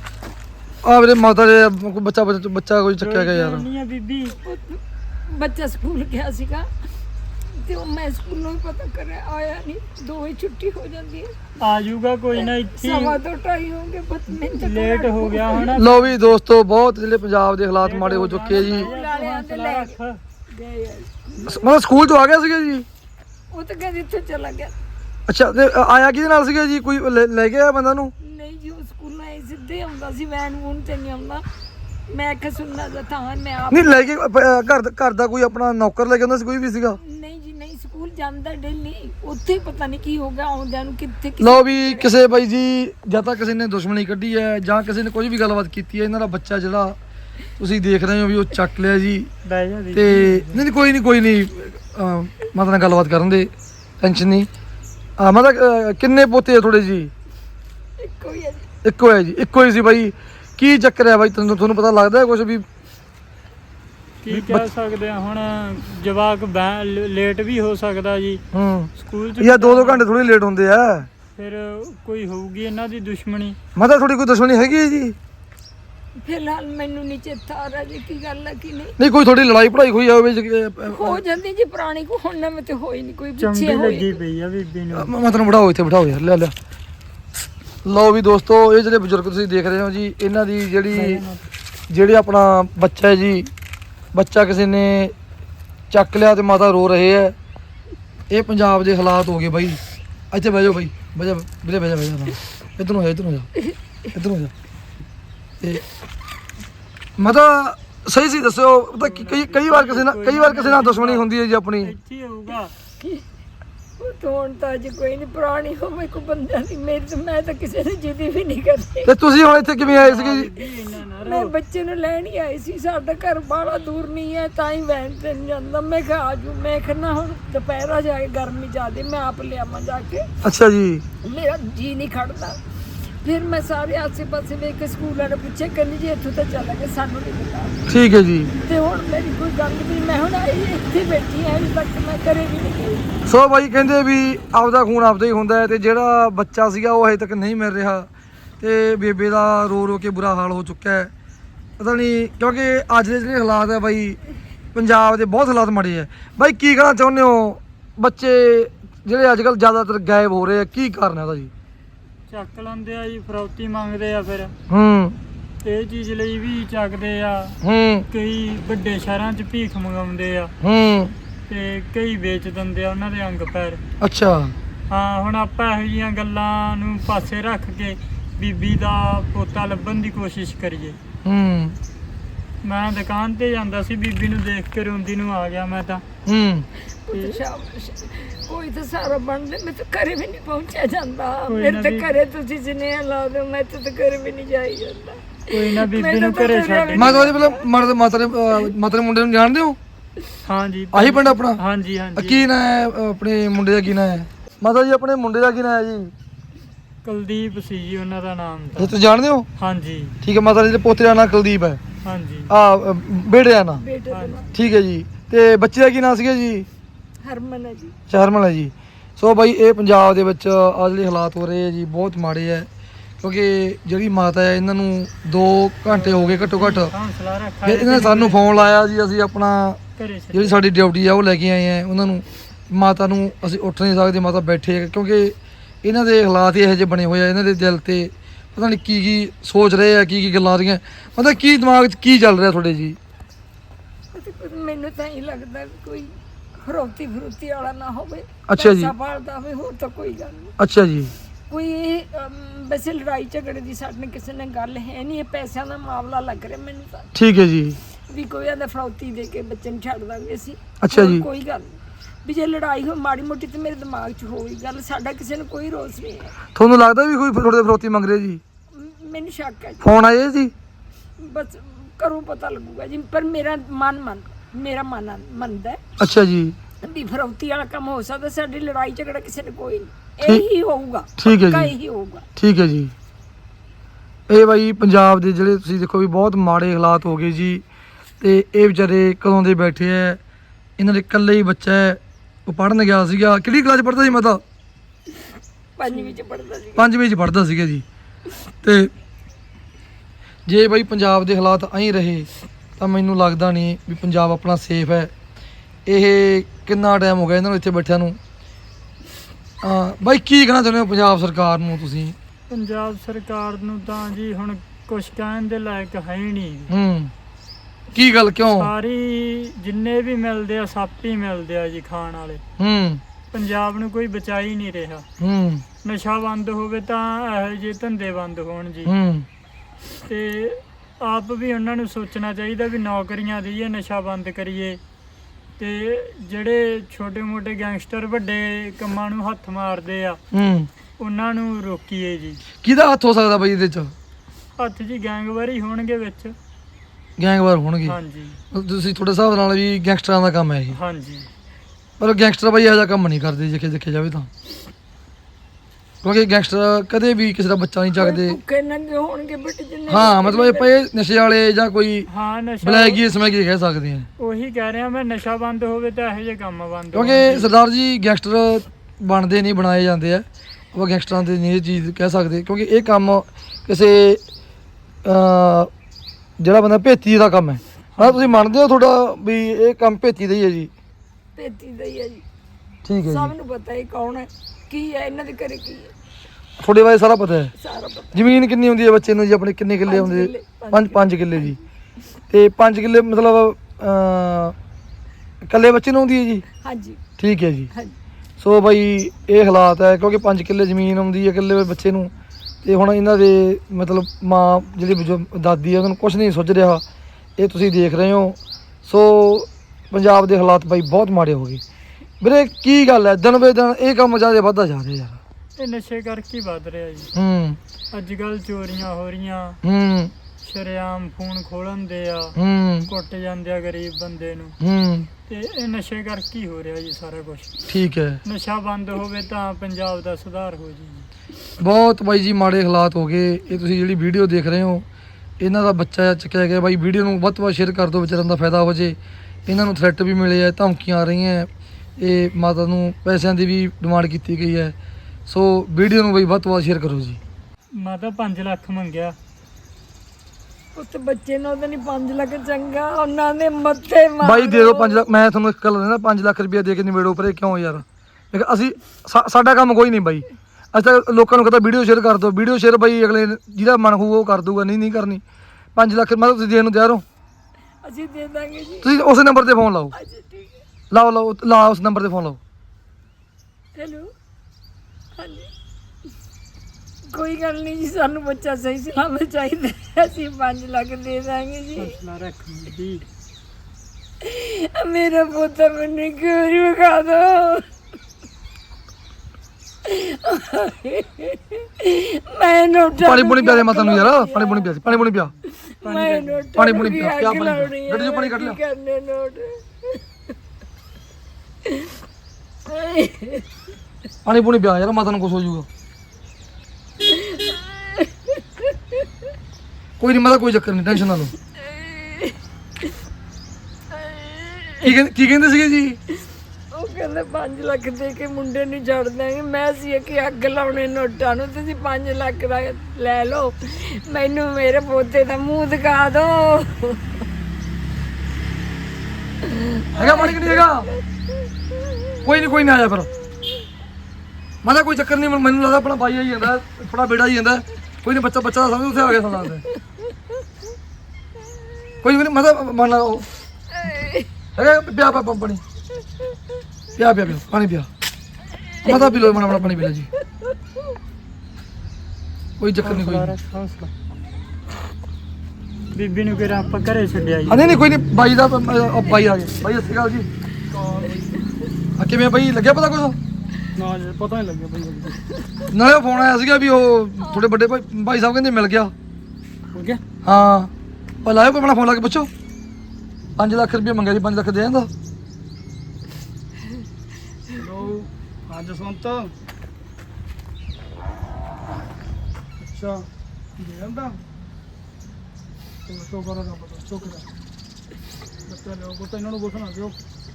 [SPEAKER 2] ਆ ਵੀਰੇ ਮਾਤਾ ਦੇ ਕੋਈ ਬੱਚਾ ਬੱਚਾ ਬੱਚਾ ਕੋਈ ਚੱਕਿਆ ਗਿਆ ਯਾਰ
[SPEAKER 3] ਨਹੀਂ ਆ ਬੀਬੀ
[SPEAKER 1] ਉਹ ਬੱਚਾ ਸਕੂਲ ਗਿਆ ਸੀਗਾ ਤੇ ਉਹ ਮੈਂ ਸਕੂਲੋਂ ਹੀ ਪਤਾ ਕਰਿਆ ਆਇਆ ਨਹੀਂ ਦੋ ਵਜੇ ਛੁੱਟੀ ਹੋ ਜਾਂਦੀ ਹੈ
[SPEAKER 3] ਆ ਜਾਊਗਾ ਕੋਈ ਨਾ ਇੱਥੇ
[SPEAKER 1] ਸਵਾ ਦੋ ਢਾਈ ਹੋ ਗਏ ਬਸ ਮੈਨੂੰ ਤਾਂ
[SPEAKER 3] ਲੇਟ ਹੋ ਗਿਆ ਹੁਣ
[SPEAKER 2] ਲਓ ਵੀ ਦੋਸਤੋ ਬਹੁਤ ਜਿਹੜੇ ਪੰਜਾਬ ਦੇ ਹਾਲਾਤ ਮਾੜੇ ਹੋ ਚੁੱਕੇ ਆ ਜੀ
[SPEAKER 1] ਵਾਲਿਆਂ ਦੇ ਲੈ
[SPEAKER 3] ਰੱਖ
[SPEAKER 1] ਗਏ ਆ।
[SPEAKER 2] ਮਤਲਬ ਸਕੂਲ ਤੋਂ ਆ ਗਿਆ ਸੀਗਾ ਜੀ
[SPEAKER 1] ਉਹ ਤਾਂ ਕਹਿੰਦੇ ਇੱਥੇ ਚਲਾ ਗਿਆ
[SPEAKER 2] ਅੱਛਾ ਤੇ ਆਇਆ ਕਿਹਦੇ ਨਾਲ ਸੀਗਾ ਜੀ ਕੋਈ ਲੈ- ਲੈ ਕੇ ਆਇਆ ਬੰਦਾ ਨੂੰ
[SPEAKER 1] ਨਹੀਂ ਜੀ ਉਹ ਸਕੂਲੋਂ ਆਏ ਸਿੱਧੇ ਆਉਂਦਾ ਸੀ ਵੈਨ ਵੂਨ ਤੇ ਨਹੀਂ ਆਉਂਦਾ ਮੈਂ ਕਿਹਾ ਸੁਣਨਾ ਦਾ ਤਾਂ ਮੈਂ ਆਪ
[SPEAKER 2] ਨਹੀਂ ਲੈ ਕੇ ਅਹ, ਘਰ ਦਾ- ਘਰ ਦਾ ਕੋਈ ਆਪਣਾ ਨੌਕਰ ਲੈ ਕੇ ਆਉਂਦਾ ਸੀ ਕੋਈ ਵੀ ਸੀਗਾ
[SPEAKER 1] ਨਹੀਂ ਜੀ ਨਹੀਂ ਸਕੂਲ ਜਾਂਦਾ ਡੇਲੀ ਉੱਥੇ ਹੀ ਪਤਾ ਨਹੀਂ ਕੀ ਹੋ ਗਿਆ ਆਉਂਦਿਆਂ ਨੂੰ ਕਿੱਥੇ ਕਿੱਥੇ-
[SPEAKER 2] ਲਓ ਵੀ ਕਿਸੇ ਬਾਈ ਜੀ ਜਾਂ ਤਾਂ ਕਿਸੇ ਨੇ ਦੁਸ਼ਮਣੀ ਕੱਢੀ ਹੈ ਜਾਂ ਕਿਸੇ ਨੇ ਕੋਈ ਵੀ ਗੱਲਬਾਤ ਕੀਤੀ ਹੈ ਇਹਨਾਂ ਦਾ ਬੱਚਾ ਜਿਹੜਾ ਤੁਸੀਂ ਦੇਖ ਰਹੇ ਹੋ ਵੀ ਉਹ ਚੱਕ ਲਿਆ ਜੀ
[SPEAKER 3] ਬਹਿ ਜਾ ਬੀਬੀ
[SPEAKER 2] ਤੇ ਨਹੀਂ ਨਹੀਂ ਕੋਈ ਨਹੀਂ ਕੋਈ ਨਹੀਂ ਮਾਤਾ ਨਾਲ ਗੱਲਬਾਤ ਕਰਨ ਦੇ ਟੈਨਸ਼ਨ ਨਹੀਂ ਆ ਮਤਲਬ ਅਹ, ਕਿੰਨੇ ਪੋਤੇ ਆ ਥੋੜੇ ਜੀ
[SPEAKER 1] ਇੱਕੋ ਹੀ ਹੈ ਜੀ
[SPEAKER 2] ਇੱਕੋ ਹੈ ਜੀ ਇੱਕੋ ਹੀ ਸੀ ਬਾਈ ਕੀ ਚੱਕਰ ਹੈ ਬਾਈ ਤੁਹਾਨੂੰ ਤੁਹਾਨੂੰ ਪਤਾ ਲੱਗਦਾ ਹੈ ਕੁਝ ਵੀ
[SPEAKER 3] ਕੀ ਕਹਿ ਸਕਦੇ ਆ ਹੁਣ ਜਵਾਕ ਬੈ- ਲ- ਲੇਟ ਵੀ ਹੋ ਸਕਦਾ ਜੀ
[SPEAKER 2] ਹੂੰ
[SPEAKER 3] ਸਕੂਲ ਚ
[SPEAKER 2] ਯਾ ਦੋ ਦੋ ਘੰਟੇ ਥੋੜੀ ਲੇਟ ਹੁੰਦੇ ਆ
[SPEAKER 3] ਫਿਰ ਕੋਈ ਹੋਊਗੀ ਇਹਨਾਂ ਦੀ ਦੁਸ਼ਮਣੀ
[SPEAKER 2] ਮਤਲਬ ਥੋੜੀ ਕੋਈ ਦੁਸ਼ਮਣੀ ਹੈਗੀ ਹੈ ਜੀ
[SPEAKER 1] ਫਿਲਹਾਲ ਮੈਨੂੰ ਨਹੀਂ ਚੇਤਾ ਆ ਰਿਹਾ ਜੀ ਕੀ ਗੱਲ ਹੈ ਕੀ ਨਹੀਂ
[SPEAKER 2] ਨਹੀਂ ਕੋਈ ਥੋੜੀ ਲੜਾਈ ਪੜਾਈ ਹੋਈ ਹੋਵੇ ਜੀ, ਅਹ,
[SPEAKER 1] ਹੋ ਜਾਂਦੀ ਜੀ ਪੁਰਾਣੀ ਕੋ ਹੁਣ ਨਵੇਂ ਤੇ ਹੋਈ ਨਹੀਂ ਕੋਈ
[SPEAKER 3] ਚੰਗੀ
[SPEAKER 1] ਪਿੱਛੇ ਹੋਈ
[SPEAKER 3] ਲੱਗੀ ਪਈ ਆ ਬੀਬੀ ਨੂੰ
[SPEAKER 2] ਮੈਂ ਤੈਨੂੰ ਬਿਠਾਓ ਇੱਥੇ ਬਿਠਾਓ ਯਾਰ ਲੈ ਲੈ ਲਓ ਵੀ ਦੋਸਤੋ ਇਹ ਜਿਹੜੇ ਬਜ਼ੁਰਗ ਤੁਸੀਂ ਦੇਖ ਰਹੇ ਹੋ ਜੀ ਇਹਨਾਂ ਦੀ ਜਿਹੜੀ ਜਿਹੜੇ ਆਪਣਾ ਬੱਚਾ ਹੈ ਜੀ ਬੱਚਾ ਕਿਸੇ ਨੇ ਚੱਕ ਲਿਆ ਤੇ ਮਾਤਾ ਰੋ ਰਹੇ ਹੈ ਇਹ ਪੰਜਾਬ ਦੇ ਹਾਲਾਤ ਹੋ ਗਏ ਬਾਈ ਇੱਥੇ ਬਹਿ ਜਾਓ ਬਾਈ ਬਹਿ ਜਾ ਵੀਰੇ ਬਹਿ ਜਾ ਬਹਿ ਜਾ ਇੱਧਰ ਨੂੰ ਆ ਜਾ ਇੱਧਰ ਨੂੰ ਆ ਜਾ ਇੱਧਰ ਨੂੰ ਆ ਜਾ ਤੇ ਮਾਤਾ ਸਹੀ ਸੀ ਦੱਸਿਓ ਪਤਾ ਕੀ- ਕਈ ਕਈ ਵਾਰ ਕਿਸੇ ਨਾਲ ਕਈ ਵਾਰ ਕਿਸੇ ਨਾਲ ਦੁਸ਼ਮਣੀ ਹੁੰਦੀ ਹੈ ਜੀ ਆਪਣੀ
[SPEAKER 3] ਇੱਥੇ ਹੀ ਹੋਊਗਾ
[SPEAKER 1] ਪੁੱਤ ਹੁਣ ਤਾਂ ਅੱਜ ਕੋਈ ਨਹੀਂ, ਪੁਰਾਣੀ ਹੋਵੇ ਕੋਈ ਬੰਦਾ ਦੀ, ਮੇਰੀ ਤਾਂ ਮੈਂ ਤਾਂ ਕਿਸੇ ਨੂੰ ਜਿੱਦੀ ਵੀ ਨਹੀਂ ਕਰਦੀ।
[SPEAKER 2] ਤੇ ਤੁਸੀਂ ਹੁਣ ਇੱਥੇ ਕਿਵੇਂ ਆਏ ਸੀਗੇ ਜੀ?
[SPEAKER 3] ਬੀਬੀ ਇੰਨਾ ਨਾ
[SPEAKER 1] ਮੈਂ
[SPEAKER 3] ਰੋ।
[SPEAKER 1] ਬੱਚੇ ਨੂੰ ਲੈਣ ਹੀ ਆਈ ਸੀ, ਸਾਡਾ ਘਰ ਬਾਹਲਾ ਦੂਰ ਨਹੀਂ ਹੈ, ਤਾਂ ਹੀ ਵੈਨ ਤੇ ਨਹੀਂ ਜਾਂਦਾ। ਮੈਂ ਕਿਹਾ ਆਜੂ, ਮੈਂ ਕਹਿੰਦਾ ਹੁਣ ਦੁਪਹਿਰਾ ਜਾ ਕੇ ਗਰਮੀ ਜ਼ਿਆਦੇ, ਮੈਂ ਆਪ ਲਿਆਵਾਂ ਜਾ ਕੇ,
[SPEAKER 2] ਅੱਛਾ ਜੀ।
[SPEAKER 1] ਮੇਰਾ ਜੀ ਨਹੀਂ ਖੜਦਾ। ਫਿਰ ਮੈਂ ਸਾਰੇ ਆਸੇ ਪਾਸੇ ਵੇਖ ਕੇ ਸਕੂਲਾਂ ਨੂੰ ਪੁੱਛਿਆ, ਕਹਿੰਦੀ ਜੀ ਇੱਥੋਂ ਤਾਂ ਚੱਲ ਗਏ, ਸਾਨੂੰ ਨਹੀਂ ਪਤਾ।
[SPEAKER 2] ਠੀਕ ਹੈ ਜੀ।
[SPEAKER 1] ਤੇ ਹੁਣ ਮੇਰੀ ਕੋਈ ਗੱਲ ਨਹੀਂ, ਮੈਂ ਹੁਣ ਆਈ ਇੱਥੇ ਬੈਠੀ ਹਾਂ, ਅਜੇ ਤੱਕ ਮੈਂ ਘਰੇ ਵੀ ਨਹੀਂ ਗਈ।
[SPEAKER 2] ਸੋ ਬਾਈ ਕਹਿੰਦੇ ਵੀ ਆਪਦਾ ਖੂਨ ਆਪਦਾ ਹੀ ਹੁੰਦਾ ਹੈ, ਤੇ ਜਿਹੜਾ ਬੱਚਾ ਸੀਗਾ ਉਹ ਹਜੇ ਤੱਕ ਨਹੀਂ ਮਿਲ ਰਿਹਾ, ਤੇ ਬੇਬੇ ਦਾ ਰੋ ਰੋ ਕੇ ਬੁਰਾ ਹਾਲ ਹੋ ਚੁੱਕਾ ਹੈ। ਪਤਾ ਨਹੀਂ, ਕਿਉਂਕਿ ਅੱਜ ਦੇ ਜਿਹੜੇ ਹਾਲਾਤ ਹੈ ਬਾਈ, ਪੰਜਾਬ ਦੇ ਬਹੁਤ ਹਾਲਾਤ ਮਾੜੇ ਹੈ। ਬਾਈ ਕੀ ਕਹਿਣਾ ਚਾਹੁੰਦੇ ਹੋ, ਬੱਚੇ ਜਿਹੜੇ ਅੱਜ ਕੱਲ੍ਹ ਜ਼ਿਆਦਾਤਰ ਗਾਇਬ ਹੋ ਰਹੇ ਆ, ਕੀ ਕਾਰਨ ਹੈ ਉਹਦਾ ਜੀ?
[SPEAKER 3] ਚੱਕ ਲੈਂਦੇ ਆ ਜੀ, ਫਰੌਤੀ ਮੰਗਦੇ ਆ, ਫਿਰ
[SPEAKER 2] ਹੂੰ
[SPEAKER 3] ਇਹ ਚੀਜ਼ ਲਈ ਵੀ ਚੱਕਦੇ ਆ।
[SPEAKER 2] ਹੂੰ
[SPEAKER 3] ਕਈ ਵੱਡੇ ਸ਼ਹਿਰਾਂ 'ਚ ਭੀਖ ਮੰਗਾਉਂਦੇ ਆ,
[SPEAKER 2] ਹੂੰ
[SPEAKER 3] ਤੇ ਕਈ ਵੇਚ ਦਿੰਦੇ ਆ ਉਹਨਾਂ ਦੇ ਅੰਗ ਪੈਰ।
[SPEAKER 2] ਅੱਛਾ।
[SPEAKER 3] ਹਾਂ, ਹੁਣ ਆਪਾਂ ਇਹੋ ਜਿਹੀਆਂ ਗੱਲਾਂ ਨੂੰ ਪਾਸੇ ਰੱਖ ਕੇ ਬੀਬੀ ਦਾ ਪੋਤਾ ਲੱਭਣ ਦੀ ਕੋਸ਼ਿਸ਼ ਕਰੀਏ।
[SPEAKER 2] ਹੂੰ
[SPEAKER 3] ਮੈਂ ਦੁਕਾਨ ਤੇ ਜਾਂਦਾ ਸੀ, ਬੀਬੀ ਨੂੰ ਦੇਖ ਕੇ ਰੋਂਦੀ ਨੂੰ ਆ ਗਿਆ ਮੈਂ ਤਾਂ।
[SPEAKER 2] ਹੂੰ
[SPEAKER 1] ਪੁੱਤ ਸ਼ਾਬਾਸ਼, ਕੋਈ ਤਾਂ ਸਾਰਾ ਬਣਦੇ, ਮੈਂ ਤਾਂ ਘਰੇ ਵੀ ਨਹੀਂ ਪਹੁੰਚਿਆ ਜਾਂਦਾ।
[SPEAKER 3] ਕੋਈ
[SPEAKER 1] ਮੇਰੇ
[SPEAKER 3] ਨਾ
[SPEAKER 1] ਤਾਂ
[SPEAKER 3] ਵੀ-
[SPEAKER 1] ਘਰੇ ਤੁਸੀਂ ਸੁਨੇਹਾ ਲਾ ਦਿਓ, ਮੈਂ ਤਾਂ ਘਰੇ ਵੀ ਨਹੀਂ ਜਾਈ ਜਾਂਦਾ।
[SPEAKER 3] ਕੋਈ ਨਾ, ਬੀਬੀ
[SPEAKER 1] ਮੈਨੂੰ
[SPEAKER 3] ਨੂੰ
[SPEAKER 1] ਤਾਂ
[SPEAKER 3] ਘਰੇ
[SPEAKER 1] ਤੁਰਿਆ
[SPEAKER 3] ਛੱਡ
[SPEAKER 1] ਵੀ
[SPEAKER 2] ਮਾਤਾ ਜੀ ਪਹਿਲਾਂ ਮਰਦ ਮਾਤਾ ਦੇ ਮਾਤਾ ਦੇ ਮੁੰਡੇ ਨੂੰ ਜਾਣਦੇ ਹੋ?
[SPEAKER 3] ਹਾਂ ਜੀ।
[SPEAKER 2] ਆਹੀ ਪਿੰਡ ਆਪਣਾ?
[SPEAKER 3] ਹਾਂਜੀ
[SPEAKER 2] ਅ,
[SPEAKER 3] ਹਾਂਜੀ।
[SPEAKER 2] ਕੀ ਨਾਂ ਹੈ ਅ, ਆਪਣੇ ਮੁੰਡੇ ਦਾ ਕੀ ਨਾਂ ਹੈ? ਮਾਤਾ ਜੀ ਆਪਣੇ ਮੁੰਡੇ ਦਾ ਕੀ ਨਾਂ ਹੈ ਜੀ?
[SPEAKER 3] ਕੁਲਦੀਪ ਸੀ ਜੀ ਉਹਨਾਂ ਦਾ ਨਾਮ
[SPEAKER 2] ਇਹ
[SPEAKER 3] ਤਾਂ।
[SPEAKER 2] ਤੁਸੀਂ ਜਾਣਦੇ ਹੋ?
[SPEAKER 3] ਹਾਂਜੀ
[SPEAKER 2] ਠੀਕ ਹੈ, ਮਾਤਾ ਜੀ ਦੇ ਪੋਤੇ ਦਾ ਨਾਂ ਕੁਲਦੀਪ ਹੈ।
[SPEAKER 3] ਹਾਂਜੀ।
[SPEAKER 2] ਆ ਬੇੜੇ ਦਾ ਨਾਂ?
[SPEAKER 1] ਬੇਟੇ ਦਾ ਨਾਮ
[SPEAKER 2] ਠੀਕ ਹੈ ਜੀ। ਤੇ ਬੱਚੇ ਦਾ ਕੀ ਨਾਂ ਸੀਗਾ ਜੀ?
[SPEAKER 1] ਹਰਮਨ ਹੈ ਜੀ।
[SPEAKER 2] ਸ਼ਰਮਲ ਹੈ ਜੀ। ਸੋ ਬਾਈ ਇਹ ਪੰਜਾਬ ਦੇ ਵਿੱਚ ਆ ਜਿਹੜੇ ਹਾਲਾਤ ਹੋ ਰਹੇ ਆ ਜੀ, ਬਹੁਤ ਮਾੜੇ ਹੈ, ਕਿਉਂਕਿ ਜਿਹੜੀ ਮਾਤਾ ਹੈ ਇਹਨਾਂ ਨੂੰ ਦੋ ਘੰਟੇ ਹੋ ਗਏ ਘੱਟੋ ਘੱਟ,
[SPEAKER 3] ਹੌਸਲਾ ਰੱਖਾ
[SPEAKER 2] ਫਿਰ ਇਹਨਾਂ ਨੇ ਸਾਨੂੰ ਫੋਨ ਲਾਇਆ ਜੀ, ਅਸੀਂ ਆਪਣਾ
[SPEAKER 3] ਘਰੇ ਛੱਡ।
[SPEAKER 2] ਜਿਹੜੀ ਸਾਡੀ ਡਿਊਟੀ ਆ ਉਹ ਲੈ ਕੇ ਆਏ ਆ ਉਹਨਾਂ ਨੂੰ। ਮਾਤਾ ਨੂੰ ਅਸੀਂ ਉੱਠ ਨਹੀਂ ਸਕਦੇ, ਮਾਤਾ ਬੈਠੇ ਆ, ਕਿਉਂਕਿ ਇਹਨਾਂ ਦੇ ਹਾਲਾਤ ਹੀ ਇਹੋ ਜਿਹੇ ਬਣੇ ਹੋਏ ਆ, ਇਹਨਾਂ ਦੇ ਦਿਲ ਤੇ ਪਤਾ ਨਹੀਂ ਕੀ ਕੀ ਸੋਚ ਰਹੇ ਆ, ਕੀ ਕੀ ਗੱਲਾਂ ਆ ਰਹੀਆਂ, ਮਤਲਬ ਕੀ ਦਿਮਾਗ 'ਚ ਕੀ ਚੱਲ ਰਿਹਾ ਤੁਹਾਡੇ ਜੀ?
[SPEAKER 1] ਤੇ ਮੈਨੂੰ ਤਾਂ ਇਹ ਲੱਗਦਾ ਵੀ ਕੋਈ ਫਰੋਤੀ ਫਰੂਤੀ ਵਾਲਾ ਨਾ ਹੋਵੇ,
[SPEAKER 2] ਅੱਛਾ ਜੀ।
[SPEAKER 1] ਪੈਸਾ ਭਾਲਦਾ ਹੋਵੇ, ਹੋਰ ਤਾਂ ਕੋਈ ਗੱਲ ਨਹੀਂ।
[SPEAKER 2] ਅੱਛਾ ਜੀ।
[SPEAKER 1] ਕੋਈ ਇਹ ਅਮ, ਵੈਸੇ ਲੜਾਈ ਝਗੜੇ ਦੀ ਸਾਡੇ ਨਾਲ ਕਿਸੇ ਨਾਲ ਗੱਲ ਹੈ ਨਹੀਂ, ਇਹ ਪੈਸਿਆਂ ਦਾ ਮਾਮਲਾ ਲੱਗ ਰਿਹਾ ਮੈਨੂੰ ਤਾਂ,
[SPEAKER 2] ਠੀਕ ਹੈ ਜੀ।
[SPEAKER 1] ਵੀ ਕੋਈ ਆਂਦਾ ਫਰੌਤੀ ਦੇ ਕੇ ਬੱਚੇ ਨੂੰ ਛੱਡ ਦਾਂਗੇ ਅਸੀਂ।
[SPEAKER 2] ਅੱਛਾ
[SPEAKER 1] ਹੋਰ
[SPEAKER 2] ਜੀ।
[SPEAKER 1] ਕੋਈ ਗੱਲ ਨਹੀਂ, ਵੀ ਜੇ ਲੜਾਈ ਹੋ ਮਾੜੀ ਮੋਟੀ ਤੇ ਮੇਰੇ ਦਿਮਾਗ 'ਚ ਹੋਈ ਗੱਲ, ਸਾਡਾ ਕਿਸੇ ਨੂੰ ਕੋਈ ਰੋਸ ਨਹੀਂ ਹੈ।
[SPEAKER 2] ਤੁਹਾਨੂੰ ਲੱਗਦਾ ਵੀ ਕੋਈ ਤੁਹਾਡੇ ਫਰੋਤੀ ਮੰਗ ਰਿਹਾ ਜੀ?
[SPEAKER 1] ਮ- ਮੈਨੂੰ ਸ਼ੱਕ ਹੈ ਜੀ,
[SPEAKER 2] ਫੋਨ ਆਏ ਜੀ?
[SPEAKER 1] ਬਸ ਕਰੋ ਪਤਾ ਲੱਗੂਗਾ ਜੀ, ਪਰ ਮੇਰਾ ਮਨ ਮੰਨ ਮੇਰਾ ਮਨ ਮੰਨਦਾ ਹੈ
[SPEAKER 2] ਅੱਛਾ ਜੀ।
[SPEAKER 1] ਵੀ ਫਰੌਤੀ ਵਾਲਾ ਕੰਮ ਹੋ ਸਕਦਾ, ਸਾਡੀ ਲੜਾਈ ਝਗੜਾ ਕਿਸੇ ਨੇ ਕੋਈ ਨਹੀਂ,
[SPEAKER 2] ਠੀਕ-
[SPEAKER 1] ਇਹੀ ਹੋਊਗਾ,
[SPEAKER 2] ਠੀਕ ਹੈ
[SPEAKER 1] ਪੱਕਾ
[SPEAKER 2] ਜੀ।
[SPEAKER 1] ਇਹੀ ਹੋਊਗਾ।
[SPEAKER 2] ਠੀਕ ਹੈ ਜੀ। ਇਹ ਬਾਈ ਪੰਜਾਬ ਦੇ ਜਿਹੜੇ ਤੁਸੀਂ ਦੇਖੋ ਵੀ ਬਹੁਤ ਮਾੜੇ ਹਾਲਾਤ ਹੋ ਗਏ ਜੀ, ਤੇ ਇਹ ਵਿਚਾਰੇ ਕਦੋਂ ਦੇ ਬੈਠੇ ਐ, ਇਹਨਾਂ ਦੇ ਇਕੱਲੇ ਹੀ ਬੱਚਾ ਹੈ, ਉਹ ਪੜ੍ਹਨ ਗਿਆ ਸੀਗਾ। ਕਿਹੜੀ ਕਲਾਸ ਪੜ੍ਹਦਾ ਸੀ ਮਾਤਾ?
[SPEAKER 1] ਪੰਜਵੀਂ ਚ ਪੜਦਾ ਸੀ।
[SPEAKER 2] ਪੰਜਵੀਂ ਚ ਪੜ੍ਹਦਾ ਸੀਗਾ ਜੀ। ਤੇ ਜੇ ਬਾਈ ਪੰਜਾਬ ਦੇ ਹਾਲਾਤ ਐਂ ਰਹੇ ਤਾਂ ਮੈਨੂੰ ਲੱਗਦਾ ਨਹੀਂ ਵੀ ਪੰਜਾਬ ਆਪਣਾ ਸੇਫ ਹੈ। ਇਹ ਕਿੰਨਾ ਟਾਈਮ ਹੋ ਗਿਆ ਇਹਨਾਂ ਨੂੰ ਇੱਥੇ ਬੈਠਿਆਂ ਨੂੰ। ਹਾਂ ਬਾਈ ਕੀ ਕਹਿਣਾ ਚਾਹੁੰਦੇ ਹੋ ਪੰਜਾਬ ਸਰਕਾਰ ਨੂੰ ਤੁਸੀਂ?
[SPEAKER 3] ਪੰਜਾਬ ਸਰਕਾਰ ਨੂੰ ਤਾਂ ਜੀ ਹੁਣ ਕੁਛ ਕਹਿਣ ਦੇ ਲਾਇਕ ਹੈ ਹੀ ਨਹੀਂ।
[SPEAKER 2] ਹੂੰ ਕੀ ਗੱਲ ਕਿਉਂ?
[SPEAKER 3] ਸਾਰੀ ਜਿੰਨੇ ਵੀ ਮਿਲਦੇ ਆ ਸੱਪ ਹੀ ਮਿਲਦੇ ਆ ਜੀ ਖਾਣ ਵਾਲੇ।
[SPEAKER 2] ਹੂੰ
[SPEAKER 3] ਪੰਜਾਬ ਨੂੰ ਕੋਈ ਬਚਾ ਹੀ ਨਹੀਂ ਰਿਹਾ।
[SPEAKER 2] ਹੂੰ
[SPEAKER 3] ਨਸ਼ਾ ਬੰਦ ਹੋਵੇ ਤਾਂ ਇਹੋ ਜਿਹੇ ਧੰਦੇ ਬੰਦ ਹੋਣ ਜੀ।
[SPEAKER 2] ਹੂੰ
[SPEAKER 3] ਤੇ ਆਪ ਵੀ ਉਹਨਾਂ ਨੂੰ ਸੋਚਣਾ ਚਾਹੀਦਾ ਵੀ ਨੌਕਰੀਆਂ ਦੇਈਏ, ਨਸ਼ਾ ਬੰਦ ਕਰੀਏ, ਤੇ ਜਿਹੜੇ ਛੋਟੇ ਮੋਟੇ ਗੈਂਗਸਟਰ ਵੱਡੇ ਕੰਮਾਂ ਨੂੰ ਹੱਥ ਮਾਰਦੇ ਆ
[SPEAKER 2] ਹੂੰ
[SPEAKER 3] ਉਹਨਾਂ ਨੂੰ ਰੋਕੀਏ ਜੀ।
[SPEAKER 2] ਕਿਹਦਾ ਹੱਥ ਹੋ ਸਕਦਾ ਬਾਈ ਇਹਦੇ ਚ?
[SPEAKER 3] ਹੱਥ ਜੀ ਗੈਂਗਵਾਰ ਹੀ ਹੋਣਗੇ ਵਿੱਚ।
[SPEAKER 2] ਗੈਂਗਵਾਰ ਹੋਣਗੇ?
[SPEAKER 3] ਹਾਂਜੀ
[SPEAKER 2] ਤੁਸੀਂ ਤੁਹਾਡੇ ਹਿਸਾਬ ਨਾਲ ਵੀ ਗੈਂਗਸਟਰਾਂ ਦਾ ਕੰਮ ਹੈ ਇਹ?
[SPEAKER 3] ਹਾਂਜੀ।
[SPEAKER 2] ਪਰ ਗੈਂਗਸਟਰ ਬਾਈ ਇਹੋ ਜਿਹਾ ਕੰਮ ਨਹੀਂ ਕਰਦੇ ਜੇ ਦੇਖਿਆ ਜਾਵੇ ਤਾਂ, ਕਿਉਂਕਿ ਗੈਂਗਸਟਰ ਕਦੇ ਵੀ ਕਿਸੇ ਦਾ ਬੱਚਾ ਨਹੀਂ ਚੱਕਦੇ।
[SPEAKER 1] ਭੁੱਖੇ ਨੰਗੇ ਹੋਣਗੇ ਬਟ ਜਿੰਨੇ
[SPEAKER 2] ਹਾਂ ਮਤਲਬ ਇਹ ਪਏ ਨਸ਼ੇ ਵਾਲੇ ਜਾਂ ਕੋਈ
[SPEAKER 3] ਹਾਂ ਨਸ਼ਾ
[SPEAKER 2] ਬਲੈਕੀ ਸਮਝ ਕੇ ਕਹਿ ਸਕਦੇ ਆ,
[SPEAKER 3] ਉਹੀ ਕਹਿ ਰਿਹਾ ਮੈਂ, ਨਸ਼ਾ ਬੰਦ ਹੋਵੇ ਤਾਂ ਇਹੋ ਜਿਹੇ ਕੰਮ ਬੰਦ
[SPEAKER 2] ਕਿਉਂਕਿ ਸਰਦਾਰ ਜੀ ਗੈਂਗਸਟਰ ਬਣਦੇ ਨਹੀਂ, ਬਣਾਏ ਜਾਂਦੇ ਆ। ਉਹ ਗੈਂਗਸਟਰਾਂ ਦੇ ਨਹੀਂ ਇਹ ਚੀਜ਼ ਕਹਿ ਸਕਦੇ, ਕਿਉਂਕਿ ਇਹ ਕੰਮ ਕਿਸੇ ਅਹ, ਜਿਹੜਾ ਬੰਦਾ ਭੇਤੀ ਦਾ ਕੰਮ ਹੈ। ਹਾਂ ਤੁਸੀਂ ਮੰਨਦੇ ਹੋ ਤੁਹਾਡਾ ਵੀ ਇਹ ਕੰਮ ਭੇਤੀ ਦਾ ਹੀ ਹੈ ਜੀ?
[SPEAKER 1] ਪੇਤੀ ਦਾ ਹੀ ਹੈ ਜੀ,
[SPEAKER 2] ਠੀਕ ਹੈ
[SPEAKER 1] ਸਭ
[SPEAKER 2] ਜੀ।
[SPEAKER 1] ਨੂੰ ਪਤਾ ਹੈ ਕੌਣ ਹੈ, ਕੀ ਹੈ, ਇਹਨਾਂ ਦੇ ਘਰੇ ਕੀ ਹੈ,
[SPEAKER 2] ਤੁਹਾਡੇ ਬਾਰੇ ਸਾਰਾ ਪਤਾ ਹੈ?
[SPEAKER 1] ਸਾਰਾ ਪਤਾ।
[SPEAKER 2] ਜ਼ਮੀਨ ਕਿੰਨੀ ਹੁੰਦੀ ਹੈ ਬੱਚੇ ਨੂੰ ਜੀ ਆਪਣੇ? ਕਿੰਨੇ ਕਿੱਲੇ
[SPEAKER 1] ਪੰਜ
[SPEAKER 2] ਹੁੰਦੇ?
[SPEAKER 1] ਕਿੱਲੇ, ਪੰਜ
[SPEAKER 2] ਪੰਜ ਪੰਜ ਕਿੱਲੇ ਜੀ। ਤੇ ਪੰਜ ਕਿੱਲੇ ਮਤਲਬ ਅਹ, ਇਕੱਲੇ ਬੱਚੇ ਨੂੰ ਹੁੰਦੀ ਹੈ ਜੀ?
[SPEAKER 1] ਹਾਂਜੀ
[SPEAKER 2] ਠੀਕ ਹੈ ਜੀ।
[SPEAKER 1] ਹਾਂਜੀ।
[SPEAKER 2] ਸੋ ਬਾਈ ਇਹ ਹਾਲਾਤ ਹੈ, ਕਿਉਂਕਿ ਪੰਜ ਕਿੱਲੇ ਜ਼ਮੀਨ ਆਉਂਦੀ ਹੈ ਇਕੱਲੇ ਬੱਚੇ ਨੂੰ, ਤੇ ਹੁਣ ਇਹਨਾਂ ਦੇ ਮਤਲਬ ਮਾਂ ਜਿਹੜੀ ਬਜ਼ੁਰਗ ਦਾਦੀ ਹੈ ਉਹਨਾਂ ਨੂੰ ਕੁਝ ਨਹੀਂ ਸੁੱਝ ਰਿਹਾ, ਇਹ ਤੁਸੀਂ ਦੇਖ ਰਹੇ ਹੋ। ਸੋ ਪੰਜਾਬ ਦੇ ਹਾਲਾਤ ਬਾਈ ਬਹੁਤ ਮਾੜੇ ਹੋ ਗਏ। ਵੀਰੇ ਕੀ ਗੱਲ ਹੈ, ਦਿਨ ਬੇ ਦਿਨ ਇਹ ਕੰਮ ਜ਼ਿਆਦਾ ਵੱਧਦਾ ਜਾ ਰਿਹਾ ਯਾਰ।
[SPEAKER 3] ਇਹ ਨਸ਼ੇ ਕਰਕੇ ਹੀ ਵੱਧ ਰਿਹਾ ਜੀ।
[SPEAKER 2] ਹੂੰ
[SPEAKER 3] ਅੱਜ ਕੱਲ ਚੋਰੀਆਂ ਹੋ ਰਹੀਆਂ,
[SPEAKER 2] ਹੂੰ
[SPEAKER 3] ਸ਼ਰੇਆਮ ਫੋਨ ਖੋਲਣ ਦੇ ਆ,
[SPEAKER 2] ਹੂੰ
[SPEAKER 3] ਕੁੱਟ ਜਾਂਦੇ ਆ ਗਰੀਬ ਬੰਦੇ ਨੂੰ,
[SPEAKER 2] ਹੂੰ
[SPEAKER 3] ਤੇ ਇਹ ਨਸ਼ੇ ਕਰਕੇ ਹੀ ਹੋ ਰਿਹਾ ਜੀ ਸਾਰਾ ਕੁਝ।
[SPEAKER 2] ਠੀਕ ਹੈ।
[SPEAKER 3] ਨਸ਼ਾ ਬੰਦ ਹੋਵੇ ਤਾਂ ਪੰਜਾਬ ਦਾ ਸੁਧਾਰ ਹੋ ਜੀ।
[SPEAKER 2] ਬਹੁਤ ਬਾਈ ਜੀ ਮਾੜੇ ਹਾਲਾਤ ਹੋ ਗਏ। ਇਹ ਤੁਸੀਂ ਜਿਹੜੀ ਵੀਡੀਓ ਦੇਖ ਰਹੇ ਹੋ, ਇਹਨਾਂ ਦਾ ਬੱਚਾ ਚੱਕਿਆ ਗਿਆ ਬਾਈ। ਵੀਡੀਓ ਨੂੰ ਵੱਧ ਤੋਂ ਵੱਧ ਸ਼ੇਅਰ ਕਰ ਦਿਓ, ਵਿਚਾਰਿਆਂ ਦਾ ਫਾਇਦਾ ਹੋ ਜੇ। ਇਹਨਾਂ ਨੂੰ ਥ੍ਰੈਟ ਵੀ ਮਿਲੇ ਆ, ਧਮਕੀਆਂ ਆ ਰਹੀਆਂ, ਇਹ ਮਾਤਾ ਨੂੰ ਪੈਸਿਆਂ ਦੀ ਵੀ ਡਿਮਾਂਡ ਕੀਤੀ ਗਈ ਹੈ। ਸੋ ਵੀਡੀਓ ਨੂੰ ਬਈ ਵੱਧ ਤੋਂ ਵੱਧ ਸ਼ੇਅਰ ਕਰੋ ਜੀ।
[SPEAKER 3] ਮਾਤਾ ਪੰਜ ਲੱਖ ਮੰਗਿਆ,
[SPEAKER 1] ਉੱਤੇ ਬੱਚੇ ਨੂੰ ਤਾਂ ਨਹੀਂ ਪੰਜ ਲੱਖ ਚੰਗਾ, ਉਹਨਾਂ ਦੇ ਮੱਥੇ ਮਾਰ
[SPEAKER 2] ਬਾਈ ਦੇ ਦਿਓ ਪੰਜ ਲੱਖ। ਮੈਂ ਤੁਹਾਨੂੰ ਇੱਕ ਗੱਲ ਕਹਿੰਦਾ, ਪੰਜ ਲੱਖ ਰੁਪਇਆ ਦੇ ਕੇ ਨਿਬੇੜੋ ਪਰੇ। ਕਿਉਂ ਯਾਰ, ਦੇਖ ਅਸੀਂ ਸਾ- ਸਾਡਾ ਕੰਮ ਕੋਈ ਨਹੀਂ ਬਾਈ। ਅਸੀਂ ਤਾਂ ਲੋਕਾਂ ਨੂੰ ਕਹਿੰਦਾ ਵੀਡੀਓ ਸ਼ੇਅਰ ਕਰ ਦਿਓ, ਵੀਡੀਓ ਸ਼ੇਅਰ ਬਾਈ ਅਗਲੇ ਜਿਹਦਾ ਮਨ ਹੋਊ ਉਹ ਕਰ ਦੂਗਾ, ਨਹੀਂ ਨਹੀਂ ਕਰਨੀ। ਪੰਜ ਲੱਖ ਮਤਲਬ ਤੁਸੀਂ ਦੇਣ ਨੂੰ ਤਿਆਰ ਹੋ?
[SPEAKER 1] ਅਸੀਂ ਦੇ ਦਾਂਗੇ ਜੀ।
[SPEAKER 2] ਤੁਸੀਂ ਉਸੇ ਨੰਬਰ ਤੇ ਫੋਨ ਲਾਓ,
[SPEAKER 1] ਅੱਛਾ ਠੀਕ ਹੈ।
[SPEAKER 2] ਲਾਓ ਲਾਓ ਲਾ ਉਸ ਨੰਬਰ ਤੇ ਫੋਨ ਲਾਓ।
[SPEAKER 1] ਹੈਲੋ ਹਾਂਜੀ, ਕੋਈ ਗੱਲ ਨਹੀਂ ਜੀ, ਸਾਨੂੰ ਬੱਚਾ ਸਹੀ ਸਲਾਮਤ ਚਾਹੀਦਾ ਹੈ, ਅਸੀਂ ਪੰਜ ਲੱਖ ਦੇ ਦਾਂਗੇ ਜੀ।
[SPEAKER 3] ਹੌਸਲਾ ਰੱਖ ਜੀ।
[SPEAKER 1] ਮੇਰਾ ਪੁੱਤ ਮੈਨੂੰ ਕਿਉਂ ਨਹੀਂ ਵਿਖਾ ਦੋ, ਮੈਂ ਨੋਟਾਂ
[SPEAKER 2] ਪਾਣੀ ਪੂਣੀ ਪਿਆ ਦੇ ਮਾਤਾ ਨੂੰ ਯਾਰ, ਪਾਣੀ ਪੂਣੀ ਪਿਆ, ਪਾਣੀ ਪੂਣੀ ਪਿਆ।
[SPEAKER 1] ਮੈਂ ਨੋਟਾਂ
[SPEAKER 2] ਪਾਣੀ
[SPEAKER 1] ਨੂੰ
[SPEAKER 2] ਪੂਣੀ
[SPEAKER 1] ਵੀ
[SPEAKER 2] ਪਿਆ, ਪਿਆ
[SPEAKER 1] ਅੱਗ
[SPEAKER 2] ਪਾਣੀ ਪਿਆ।
[SPEAKER 1] ਲਾਉਣੀ ਹੈ,
[SPEAKER 2] ਗੱਡੀ ਚੋਂ ਪਾਣੀ ਕੱਢ ਲਿਆ।
[SPEAKER 1] ਕੀ ਕਰਨੇ ਨੋਟ।
[SPEAKER 2] ਪਾਣੀ ਪੂਣੀ ਪਿਆ ਯਾਰ, ਮਾਤਾ ਨੂੰ ਕੁਛ ਹੋ ਜਾਊਗਾ। ਕੋਈ ਨਹੀਂ ਮਾਤਾ, ਕੋਈ ਚੱਕਰ ਨਹੀਂ, ਟੈਨਸ਼ਨ ਨਾ ਲਓ। ਕੀ ਕਹਿੰਦੇ ਕੀ ਕਹਿੰਦੇ ਸੀਗੇ ਜੀ?
[SPEAKER 1] ਉਹ ਕਹਿੰਦੇ ਪੰਜ ਲੱਖ ਦੇ ਕੇ ਮੁੰਡੇ ਨੂੰ ਛੱਡ ਦਾਂਗੇ। ਮੈਂ ਸੀ ਕਿ ਅੱਗ ਲਾਉਣੇ ਨੋਟਾਂ ਨੂੰ, ਤੁਸੀਂ ਪੰਜ ਲੱਖ ਦਾ ਲੈ ਲਓ, ਮੈਨੂੰ ਮੇਰੇ ਪੋਤੇ ਦਾ ਮੂੰਹ ਦਿਖਾ ਦਿਓ।
[SPEAKER 2] ਹੈਗਾ ਪਾਣੀ ਕਿ ਨਹੀਂ ਹੈਗਾ? ਕੋਈ ਨਹੀਂ ਕੋਈ ਨਹੀਂ, ਆਇਆ ਫਿਰ ਮਾਤਾ, ਕੋਈ ਚੱਕਰ ਨਹੀਂ। ਮੈਨੂੰ ਲੱਗਦਾ ਆਪਣਾ ਬਾਈ ਆਈ ਜਾਂਦਾ, ਥੋੜਾ ਬੇੜਾ ਹੀ ਜਾਂਦਾ। ਕੋਈ ਨਹੀਂ, ਬੱਚਾ ਬੱਚਾ ਸਮਝ ਉੱਥੇ ਆ ਗਿਆ ਸਲਾਹ ਦੇ। ਕੋਈ ਨਹੀਂ ਮਾਤਾ, ਮੰਨ ਲਾ ਉਹ ਹੈਗਾ। ਪਿਆ ਪਾ ਪਾਣੀ ਪਿਆ ਪਿਆ ਪਿਆ ਪਾਣੀ ਪਿਆ ਮਾਤਾ, ਪੀ ਲਓ ਮਾੜਾ ਮਾੜਾ ਪਾਣੀ ਪੀ ਲੈ ਜੀ। ਕੋਈ ਚੱਕਰ ਨਹੀਂ, ਕੋਈ
[SPEAKER 3] ਹੌਸਲਾ
[SPEAKER 2] ਨਹੀਂ।
[SPEAKER 3] ਰੱਖ, ਹੌਸਲਾ। ਬੀਬੀ ਨੂੰ ਕਿਹੜਾ ਆਪਾਂ ਘਰੇ ਛੱਡਿਆ ਜੀ।
[SPEAKER 2] ਹਾਂ ਨਹੀਂ ਨਹੀਂ ਕੋਈ ਨਹੀਂ, ਬਾਈ ਦਾ ਅ, ਬਾਈ ਆ ਗਿਆ। ਬਾਈ ਸਤਿ ਸ਼੍ਰੀ ਅਕਾਲ ਜੀ। ਆ ਕਿਵੇਂ ਬਾਈ, ਲੱਗਿਆ ਪਤਾ ਕੁਛ?
[SPEAKER 3] ਨਾ ਜੀ, ਪਤਾ ਨਹੀਂ ਲੱਗਿਆ ਬਈ।
[SPEAKER 2] ਨਾਲੇ ਫੋਨ ਆਇਆ ਸੀਗਾ ਵੀ ਉਹ ਤੁਹਾਡੇ ਵੱਡੇ ਭਾਈ ਭਾਈ ਸਾਹਿਬ ਕਹਿੰਦੇ ਮਿਲ ਗਿਆ।
[SPEAKER 3] ਹੋ ਗਿਆ?
[SPEAKER 2] ਹਾਂ, ਪਰ ਲਾਇਓ ਕੋਈ ਆਪਣਾ ਫੋਨ ਲਾ ਕੇ ਪੁੱਛੋ। ਪੰਜ ਲੱਖ ਰੁਪਏ ਮੰਗਿਆ ਸੀ, ਪੰਜ ਲੱਖ ਦੇ ਜਾਂਦਾ।
[SPEAKER 3] ਹੈਲੋ ਹਾਂ ਜਸਵੰਤ। ਅੱਛਾ ਦੇ ਜਾਂਦਾ ਤੋ ਕਰਾ ਨਾ ਪਤਾ ਚੁੱਕ ਜਾ ਬੱਚਾ ਲਿਓ, ਕੋ ਤਾਂ ਇਹਨਾਂ ਨੂੰ ਪੁੱਛਣਾ ਦਿਓ।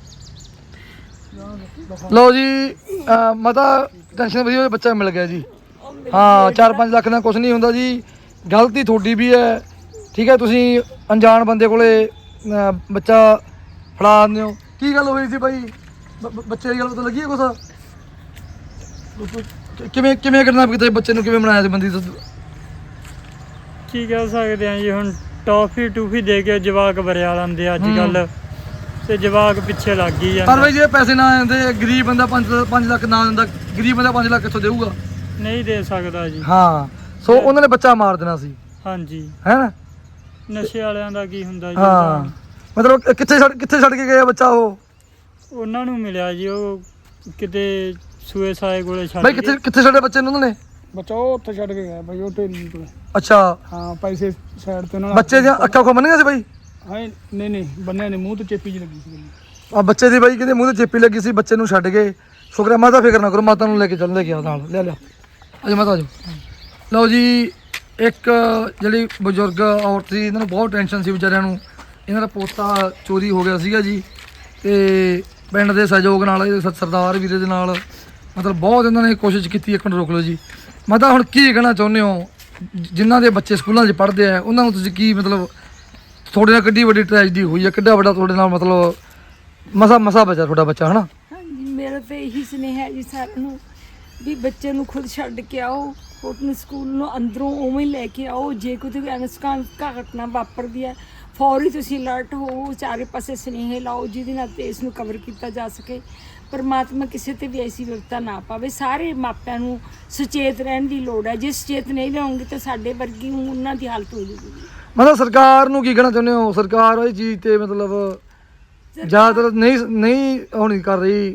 [SPEAKER 2] ਲਓ ਜੀ, ਅਹ ਮਤਾ ਟੈਨਸ਼ਨ ਵਧੀਆ ਹੋਈ, ਬੱਚਾ ਮਿਲ ਗਿਆ ਜੀ। ਹਾਂ, ਚਾਰ ਪੰਜ ਲੱਖ ਨਾਲ ਕੁਝ ਨਹੀਂ ਹੁੰਦਾ ਜੀ। ਗਲਤੀ ਤੁਹਾਡੀ ਵੀ ਹੈ, ਠੀਕ ਹੈ। ਤੁਸੀਂ ਅਣਜਾਣ ਬੰਦੇ ਕੋਲੇ ਅਹ, ਬੱਚਾ ਫੜਾ ਦਿੰਦੇ ਹੋ। ਕੀ ਗੱਲ ਹੋਈ ਸੀ ਬਾਈ? ਬ- ਬ- ਬੱਚੇ ਦੀ ਗੱਲ ਪਤਾ ਲੱਗੀ ਹੈ ਕੁਛ? ਕਿਵੇਂ ਕਿਵੇਂ ਕਿਡਨੈਪ ਕੀਤਾ ਬੱਚੇ ਨੂੰ, ਕਿਵੇਂ ਬਣਾਇਆ ਸੀ ਬੰਦੀ ਤੋਂ?
[SPEAKER 3] ਕੀ ਕਹਿ ਸਕਦੇ ਆ ਜੀ, ਹੁਣ ਟੌਫੀ ਟੂਫੀ ਦੇ ਕੇ ਜਵਾਕ ਬਰਿਆ ਲੈਂਦੇ ਅੱਜ ਕੱਲ, ਤੇ ਜਵਾਕ ਪਿੱਛੇ ਲੱਗ ਗਈ
[SPEAKER 2] ਪਰ
[SPEAKER 3] ਜਾਂਦਾ।
[SPEAKER 2] ਬਾਈ ਜੇ ਪੈਸੇ ਨਾ ਆਉਂਦੇ, ਗਰੀਬ ਬੰਦਾ ਪੰਜ ਪੰਜ ਲੱਖ ਨਾ ਦਿੰਦਾ, ਗਰੀਬ ਬੰਦਾ ਪੰਜ ਲੱਖ ਕਿੱਥੋਂ ਦੇਊਗਾ?
[SPEAKER 3] ਨਹੀਂ ਦੇ ਸਕਦਾ ਜੀ।
[SPEAKER 2] ਹਾਂ, ਸੋ ਉਹਨਾਂ ਨੇ ਬੱਚਾ ਮਾਰ ਦੇਣਾ ਸੀ,
[SPEAKER 3] ਹਾਂਜੀ,
[SPEAKER 2] ਹੈ ਨਾ?
[SPEAKER 3] ਨਸ਼ੇ ਵਾਲਿਆਂ ਦਾ ਕੀ ਹੁੰਦਾ ਜੀ।
[SPEAKER 2] ਹਾਂ, ਮਤਲਬ ਕਿੱਥੇ ਛੱਡ ਕਿੱਥੇ ਛੱਡ ਕੇ ਗਏ ਆ ਬੱਚਾ ਉਹ?
[SPEAKER 3] ਉਹਨਾਂ ਨੂੰ ਮਿਲਿਆ ਜੀ, ਉਹ ਕਿਤੇ ਸੂਏ ਸਾਏ ਕੋਲੇ ਛੱਡ
[SPEAKER 2] ਬਾਈ ਕਿੱਥੇ
[SPEAKER 3] ਗਏ।
[SPEAKER 2] ਕਿੱਥੇ ਛੱਡੇ ਬੱਚੇ ਨੂੰ ਉਹਨਾਂ ਨੇ?
[SPEAKER 4] ਬੱਚਾ ਉਹ ਉੱਥੇ ਛੱਡ ਕੇ ਗਿਆ ਬਾਈ, ਉਹ ਢੇਰੀ ਕੋਲ।
[SPEAKER 2] ਅੱਛਾ,
[SPEAKER 4] ਹਾਂ, ਪੈਸੇ ਸਾਈਡ ਤੇ ਉਹਨਾਂ
[SPEAKER 2] ਬੱਚੇ ਦੀਆਂ ਅੱਖਾਂ ਖੋ ਬੰਨੀਆਂ ਸੀ ਬਾਈ?
[SPEAKER 4] ਹਾਂ ਨਹੀਂ ਨਹੀਂ ਬੰਨਿਆ ਨਹੀਂ, ਮੂੰਹ ਤੇ ਚੇਪੀ ਜਿਹੀ ਲੱਗੀ ਸੀ।
[SPEAKER 2] ਆ ਬੱਚੇ ਦੀ ਬਾਈ ਕਹਿੰਦੇ ਮੂੰਹ ਤੇ ਚੇਪੀ ਲੱਗੀ ਸੀ, ਬੱਚੇ ਨੂੰ ਛੱਡ ਗਏ। ਸ਼ੁਕਰ ਹੈ, ਮਾਤਾ ਫਿਕਰ ਨਾ ਕਰੋ, ਮਾਤਾ ਨੂੰ ਲੈ ਕੇ ਚੱਲ ਲੈ ਕੇ ਆ ਨਾਲ, ਲੈ ਲਿਆ ਅਜੇ ਮਾਤਾ ਆਜੋ। ਲਓ ਜੀ, ਇੱਕ ਜਿਹੜੀ ਬਜ਼ੁਰਗ ਔਰਤ ਸੀ, ਇਹਨਾਂ ਨੂੰ ਬਹੁਤ ਟੈਨਸ਼ਨ ਸੀ ਵਿਚਾਰਿਆਂ ਨੂੰ। ਇਹਨਾਂ ਦਾ ਪੋਤਾ ਚੋਰੀ ਹੋ ਗਿਆ ਸੀਗਾ ਜੀ, ਤੇ ਪਿੰਡ ਦੇ ਸਹਿਯੋਗ ਨਾਲ, ਇਹ ਸ- ਸਰਦਾਰ ਵੀਰੇ ਦੇ ਨਾਲ, ਮਤਲਬ ਬਹੁਤ ਇਹਨਾਂ ਨੇ ਕੋਸ਼ਿਸ਼ ਕੀਤੀ। ਇੱਕ ਮਿੰਟ ਰੋਕ ਲਓ ਜੀ। ਮਾਤਾ ਹੁਣ ਕੀ ਕਹਿਣਾ ਚਾਹੁੰਦੇ ਹੋ, ਜਿ- ਜਿਨ੍ਹਾਂ ਦੇ ਬੱਚੇ ਸਕੂਲਾਂ 'ਚ ਪੜ੍ਹਦੇ ਆ, ਉਹਨਾਂ ਨੂੰ ਤੁਸੀਂ ਕੀ ਮਤਲਬ, ਤੁਹਾਡੇ ਨਾਲ ਕਿੱਡੀ ਵੱਡੀ ਟ੍ਰੈਜਡੀ ਹੋਈ ਹੈ, ਕਿੱਡਾ ਵੱਡਾ ਤੁਹਾਡੇ ਨਾਲ ਮਤਲਬ ਮਸਾ ਮਸਾ ਬਚਾ ਤੁਹਾਡਾ ਬੱਚਾ, ਹਨਾ?
[SPEAKER 1] ਹਾਂਜੀ, ਮੇਰਾ ਤਾਂ ਇਹੀ ਸੁਨੇਹਾ ਹੈ ਜੀ ਸਾਰਿਆਂ ਨੂੰ, ਵੀ ਬੱਚੇ ਨੂੰ ਖੁਦ ਛੱਡ ਕੇ ਆਓ, ਉਹਨੂੰ ਸਕੂਲ ਨੂੰ ਅੰਦਰੋਂ ਉਵੇਂ ਹੀ ਲੈ ਕੇ ਆਓ। ਜੇ ਕੋਈ ਅਨਸਕਾਂ ਘਟਨਾ ਵਾਪਰਦੀ ਹੈ, ਫੌਰੀ ਤੁਸੀਂ ਅਲਰਟ ਹੋ, ਚਾਰੇ ਪਾਸੇ ਸੁਨੇਹੇ ਲਾਓ, ਜਿਹਦੇ ਨਾਲ ਤੇ ਇਸ ਨੂੰ ਕਵਰ ਕੀਤਾ ਜਾ ਸਕੇ। ਪਰਮਾਤਮਾ ਕਿਸੇ ਤੇ ਵੀ ਐਸੀ ਵਿਪਤਾ ਨਾ ਪਾਵੇ। ਸਾਰੇ ਮਾਪਿਆਂ ਨੂੰ ਸੁਚੇਤ ਰਹਿਣ ਦੀ ਲੋੜ ਹੈ। ਜੇ ਸੁਚੇਤ ਨਹੀਂ ਰਹੋਗੇ ਤਾਂ ਸਾਡੇ ਵਰਗੀ ਉਹਨਾਂ ਦੀ ਹਾਲਤ ਹੋ ਜਾਊਗੀ।
[SPEAKER 2] ਮਤਲਬ ਸਰਕਾਰ ਨੂੰ ਕੀ ਕਹਿਣਾ ਚਾਹੁੰਦੇ ਹੋ? ਸਰਕਾਰ ਇਹ ਚੀਜ਼ ਤੇ ਮਤਲਬ ਜ਼ਿਆਦਾਤਰ ਨਹੀਂ ਨਹੀਂ ਉਹ ਨਹੀਂ ਕਰ ਰਹੀ,